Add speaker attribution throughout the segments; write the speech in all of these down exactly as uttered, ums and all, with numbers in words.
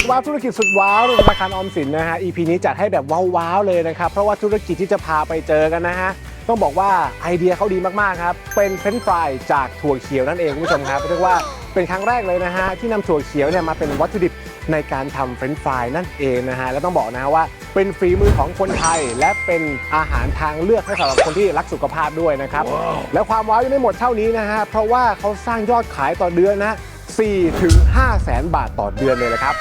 Speaker 1: ว้าวธุรกิจสุดว้าวธนาคารออมสินนะฮะ อี พี นี้จัดให้แบบว้าวๆเลยนะครับเพราะว่าธุรกิจที่จะพาไปเจอกันนะฮะต้องบอกว่าไอเดียเขาดีมากๆครับเป็นเฟรนช์ฟรายจากถั่วเขียวนั่นเองคุณผู้ชมครับเรียกว่าเป็นครั้งแรกเลยนะฮะที่นำถั่วเขียวเนี่ยมาเป็นวัตถุดิบในการทำเฟรนช์ฟรายนั่นเองนะฮะและต้องบอกนะฮะว่าเป็นฝีมือของคนไทยและเป็นอาหารทางเลือกให้สำหรับคนที่รักสุขภาพด้วยนะครับ wow. แล้วความว้าวยังไม่หมดเท่านี้นะฮะเพราะว่าเขาสร้างยอดขายต่อเดือนนะสี่ถึงห้าแสนบาทต่อเดือนเลยนะครับ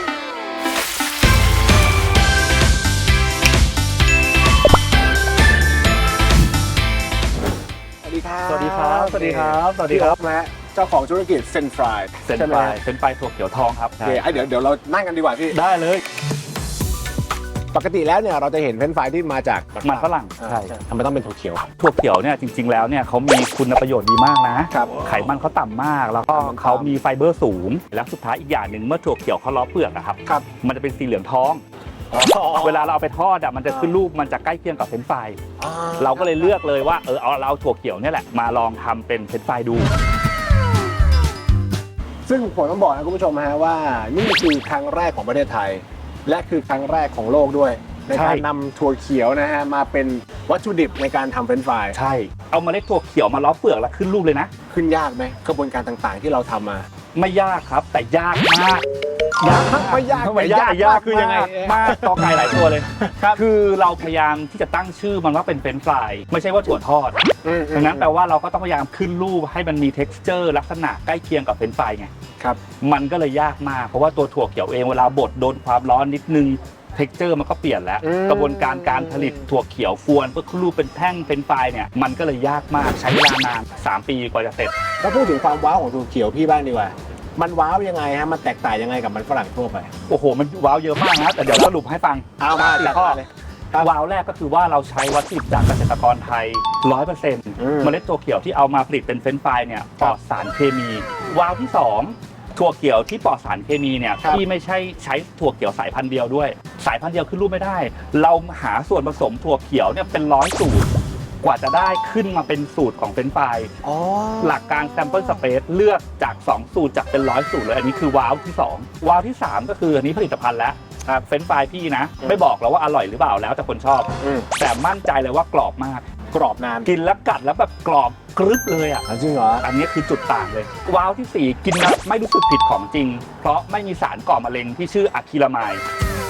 Speaker 1: สวัสดีครับ
Speaker 2: สวัสดีครับ สวัสดีครับ สวัสดีครับ
Speaker 1: นะเจ้าของธุรกิจเฟรนช์ฟราย
Speaker 2: เฟรนช์ฟรายเฟรนช์ฟรายถั่วเขียวทองครับ
Speaker 1: โอเคเดี๋ยวเดี๋ยวเรานั่งกันดีกว่าพี่
Speaker 2: ได้เลย
Speaker 1: ปกติแล้วเนี่ยเราจะเห็นเฟรนช์ฟรายที่มาจาก
Speaker 2: มันฝรั่ง
Speaker 1: ใช่ทำไมต้องเป็นถั่วเขียว
Speaker 2: ถั่วเขียวเนี่ยจริงๆแล้วเนี่ยเขามีคุณประโยชน์ดีมากนะไขมันเขาต่ำมากแล้วก็เขามีไฟเบอร์สูงและสุดท้ายอีกอย่างหนึ่งเมื่อถั่วเขียวเขาล้อเปลือกนะครับมันจะเป็นสีเหลืองทองเวลาเราเอาไปทอดอ่ะมันจะขึ้นรูปมันจะใกล้เคียงกับเฟรนช์ฟรายเราก็เลยเลือกเลยว่าเออเอาเราถั่วเขียวเนี่ยแหละมาลองทำเป็นเฟรนช์ฟรายดู
Speaker 1: ซึ่งผมต้องบอกนะคุณผู้ชมฮะว่านี่คือครั้งแรกของประเทศไทยและคือครั้งแรกของโลกด้วยในการนำถั่วเขียวนะฮะมาเป็นวัตถุดิบในการทำเฟรนช์ฟราย
Speaker 2: ใช่เอาเมล็ดถั่วเขียวมาล้อเปลือกแล้วขึ้นรูปเลยนะ
Speaker 1: ขึ้นยากไหมกระบวนการต่างๆที่เราทำมา
Speaker 2: ไม่ยากครับแต่ยากมาก
Speaker 1: ยากไม่ยาก
Speaker 2: ไม่ยากยากคือยังไงมากต่อไก่หลายตัวเลยคือเราพยายามที่จะตั้งชื่อมันว่าเป็นเฟรนช์ฟรายไม่ใช่ว่าถั่วทอดดังนั้นแปลว่าเราก็ต้องพยายามขึ้นรูปให้มันมี texture ลักษณะใกล้เคียงกับเฟรนช์ฟรายไง
Speaker 1: ครับ
Speaker 2: มันก็เลยยากมากเพราะว่าตัวถั่วเขียวเองเวลาบดโดนความร้อนนิดนึง texture มันก็เปลี่ยนแล้วกระบวนการการผลิตถั่วเขียวกวนเพื่อขึ้นรูปเป็นแท่งเฟรนช์ฟรายเนี่ยมันก็เลยยากมากใช้เวลานานสามปีกว่าจะเสร็จ
Speaker 1: ถ้าพูดถึงความว้าวของถั่วเขียวพี่บ้างดีกว่ามันว้าวยังไงฮะมันแตกต่างยังไงกับมันฝรั่งทั่วไป
Speaker 2: โอ้โหมันว้าวเยอะมากนะแต่เดี๋ยวสรุปให้ฟัง
Speaker 1: เอามา
Speaker 2: สี่ข้อเลยว้าวแรกก็คือว่าเราใช้วัตถุดิบจากเกษตรกรไทย ร้อยเปอร์เซ็นต์ เมล็ดถั่วเขียวที่เอามาผลิตเป็นเฟรนช์ฟรายเนี่ยปลอดสารเคมีว้าวที่สองถั่วเขียวที่ปลอดสารเคมีเนี่ยที่ไม่ใช่ใช้ถั่วเขียวสายพันธุ์เดียวด้วยสายพันธุ์เดียวขึ้นรูปไม่ได้เราหาส่วนผสมถั่วเขียวเนี่ยเป็นร้อยสูตรกว่าจะได้ขึ้นมาเป็นสูตรของเฟรนช์ฟรายหลักการ sample space เลือกจากสองสูตรจากเป็นร้อยสูตรเลยอันนี้คือว้าวที่สองว้าวที่สามก็คืออันนี้ผลิตภัณฑ์แล้วเฟรนช์ฟรายพี่นะไม่บอกเราว่าอร่อยหรือเปล่าแล้วแต่คนชอบแต่มั่นใจเลยว่ากรอบมาก
Speaker 1: กรอบนาน
Speaker 2: กินแล้วกัดแล้วแบบกรอบกรึบเลยอ่ะ
Speaker 1: จริงเหรอ
Speaker 2: อันนี้คือจุดต่างเลยว้าวที่สี่กินแล้วไม่รู้สึกผิดของจริงเพราะไม่มีสารก่อมะเร็งที่ชื่ออะคริลามายด์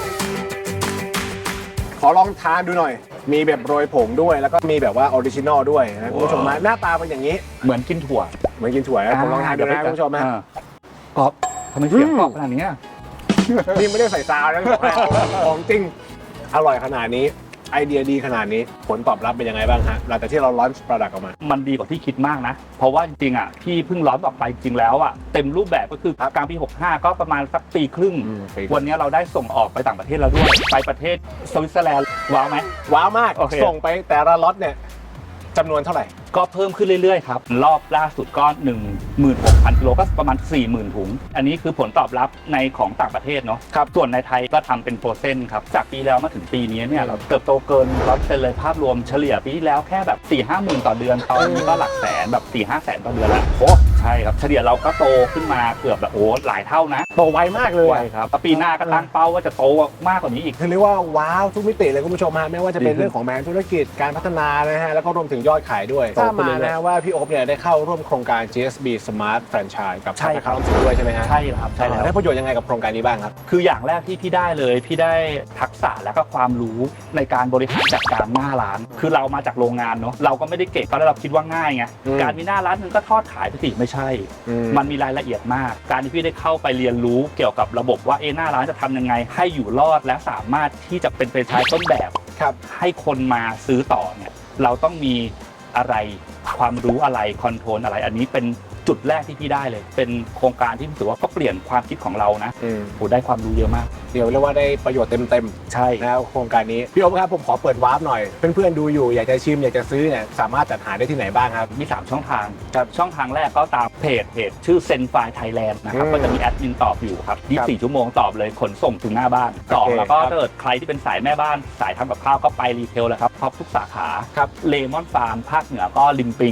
Speaker 1: ขอลองทานดูหน่อยมีแบบโรยผงด้วยแล้วก็มีแบบว่าออริจินอลด้วยนะคุณผู้ชมนะหน้าตาเป็นอย่างนี้
Speaker 2: เหมือนกินถั่ว
Speaker 1: เหมือนกินถั่วนะผมลองทานดูนะคุณผู้ชมนะ
Speaker 2: กรอบทำไมเสียงกรอบขนาดนี้
Speaker 1: นี่ไม่ได้ใส่ซาวนะของจริงอร่อยขนาดนี้ไอเดียดีขนาดนี้ผลตอบรับเป็นยังไงบ้างฮะหลังจากที่เราลอนช์โปรดักต์ออกมา
Speaker 2: มันดีกว่าที่คิดมากนะเพราะว่าจริงๆอ่ะที่เพิ่งลอนช์ออกไปจริงแล้วอ่ะเต็มรูปแบบก็คือกลางปีหกสิบห้าก็ประมาณสักปีครึ่งวันนี้เราได้ส่งออกไปต่างประเทศแล้วด้วยไปประเทศสวิตเซอร์แลนด์ว้าวไหม
Speaker 1: ว้าวมากส่งไปแต่ละล็อตเนี่ยจำนวนเท่าไหร่
Speaker 2: ก็เพิ่มขึ้นเรื่อยๆครับรอบล่าสุดก็ หนึ่งหมื่นหกพัน กิโลก็ประมาณ สี่หมื่น ถุงอันนี้คือผลตอบรับในของต่างประเทศเนาะครับส่วนในไทยก็ทำเป็นโปรเซนต์ครับจากปีแล้วมาถึงปีนี้เนี่ยเราเติบโตเกินร้อยเปอร์เซ็นต์เลยภาพรวมเฉลี่ยปีที่แล้วแค่แบบ สี่ห้าหมื่น ต่อเดือนตอนนี้ก็หลักแสนแบบ สี่ห้าแสนต่อเดือนแล้วโอ้ใช่ครับเฉลี่ยเราก็โตขึ้นมาเกือบแบบโอ้หลายเท่านะ
Speaker 1: โตไวมากเลย
Speaker 2: ไวครับปีหน้าก็ตั้งเป้าว่าจะโตมากกว่านี้อีก
Speaker 1: คือเรียกว่าว้าวทุกมิติเลยคุณผู้ชมฮะไม่ว่าจะเป็นเรื่องของแบรนด์ธุรกิจการพัฒนานะฮะแล้วก็รวมถึงยอดขายด้วยทราบมานะว่าพี่โอ๊คเนี่ยได้เข้าร่วมโครงการ จี เอส บี Smart Franchise กับธนาคารออมสินด้วยใช่ไหมฮะ
Speaker 2: ใช่ครับใช่แล้ว
Speaker 1: ได้ประโยชน์ยังไงกับโครงการนี้บ้างครับ
Speaker 2: คืออย่างแรกที่พี่ได้เลยพี่ได้ทักษะและก็ความรู้ในการบริหารจัดการหน้าร้านคือเรามาจากโรงงานเนาะเราก็ไม่ได้เก่งก็เราคิดว่าง่ายไงการมีหน้าร้านนึงก็ทอดขายไปสิไม่ใช่มันมีรายละเอียดมากการที่พี่ได้เข้าไปเรียนรู้เกี่ยวกับระบบว่าเอหน้าร้านจะทำยังไงให้อยู่รอดและสามารถที่จะเป็นแฟรนไชส์ต้นแบบให้คนมาซื้อต่อเนี่ยเราต้องมีอะไรความรู้อะไรคอนโทรลอะไรอันนี้เป็นจุดแรกที่พี่ได้เลยเป็นโครงการที่ถือว่าก็เปลี่ยนความคิดของเรานะโหได้ความรู้เยอะมาก
Speaker 1: เดี๋ยวเรียกว่าได้ประโยชน์เต็ม
Speaker 2: ๆใช่
Speaker 1: นะโครงการนี้พี่โอ๊คครับผมขอเปิดวาร์ปหน่อยเพื่อนๆดูอยู่อยากจะชิมอยากจะซื้อเนี่ยสามารถจัดหาได้ที่ไหนบ้างครับ
Speaker 2: มีสามช่องทางครับช่องทางแรกก็ตามเพจเพจชื่อเซนไฟไทยแลนด์นะครับก็จะมีแอดมินตอบอยู่ครับยี่สิบสี่ชั่วโมงตอบเลยขนส่งถึงหน้าบ้านสองแล้วก็ถ้าเกิดใครที่เป็นสายแม่บ้านสายทำกับข้าวก็ไปรีเทลเลยครับครบทุกสาขาครับเลมอนฟาร์มภาคเหนือก็ริมปิง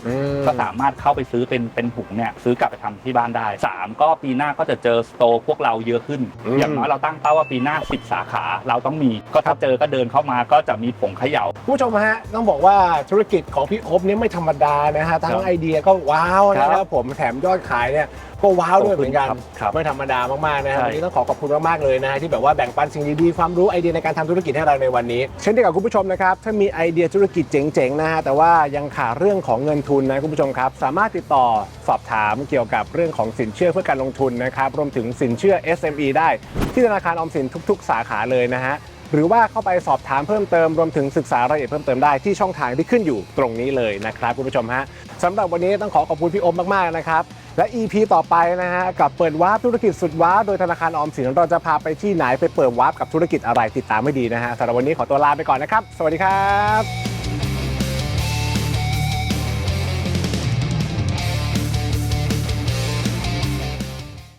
Speaker 2: ก็สามารถเข้าไปซื้อเป็นเป็นถุงเนี่ยซื้อกลับไปทำที่บ้านได้สามก็ปีหน้าก็จะเจอสโตร์พวกเราเยอะขึ้น อย่างน้อยเราตั้งเป้าว่าปีหน้าสิบสาขาเราต้องมีก็ถ้าเจอก็เดินเข้ามาก็จะมีผงเขย่า
Speaker 1: ผู้ชมฮะต้องบอกว่าธุรกิจของพี่อบเนี่ยไม่ธรรมดานะฮะทั้งไอเดียก็ว้าวนะครับผมแถมยอดขายเนี่ยก็ว้าวด้วยเหมือนกันไม่ธรรมดา มากๆนะครับวันนี้ต้องขอขอบคุณมากๆเลยนะฮะที่แบบว่าแบ่งปันสิ่งดีๆความรู้ไอเดียในการทำธุรกิจให้เราในวันนี้เช่นเดียวกับคุณผู้ชมนะครับถ้ามีไอเดียธุรกิจเจ๋งๆนะฮะแต่ว่ายังขาดเรื่องของเงินทุนนะคุณผู้ชมครับสามารถติดต่อสอบถามเกี่ยวกับเรื่องของสินเชื่อเพื่อการลงทุนนะครับรวมถึงสินเชื่อ เอส เอ็ม อี ได้ที่ธนาคารออมสินทุกๆสาขาเลยนะฮะหรือว่าเข้าไปสอบถามเพิ่มเติมรวมถึงศึกษารายละเอียดเพิ่มเติมได้ที่ช่องทางที่ขึ้นอยู่ตรงนี้เลยนะครับคุณผู้ชมฮะสำหรับวันนี้ต้องขอขอบคุณพี่อมมากๆนะครับและ อี พี ต่อไปนะฮะกับเปิดวาร์ปธุรกิจสุดว้าวโดยธนาคารออมสินเราจะพาไปที่ไหนไปเปิดวาร์ปกับธุรกิจอะไรติดตามให้ดีนะฮะสำหรับวันนี้ขอตัวลาไปก่อนนะครับสวัสดีครับ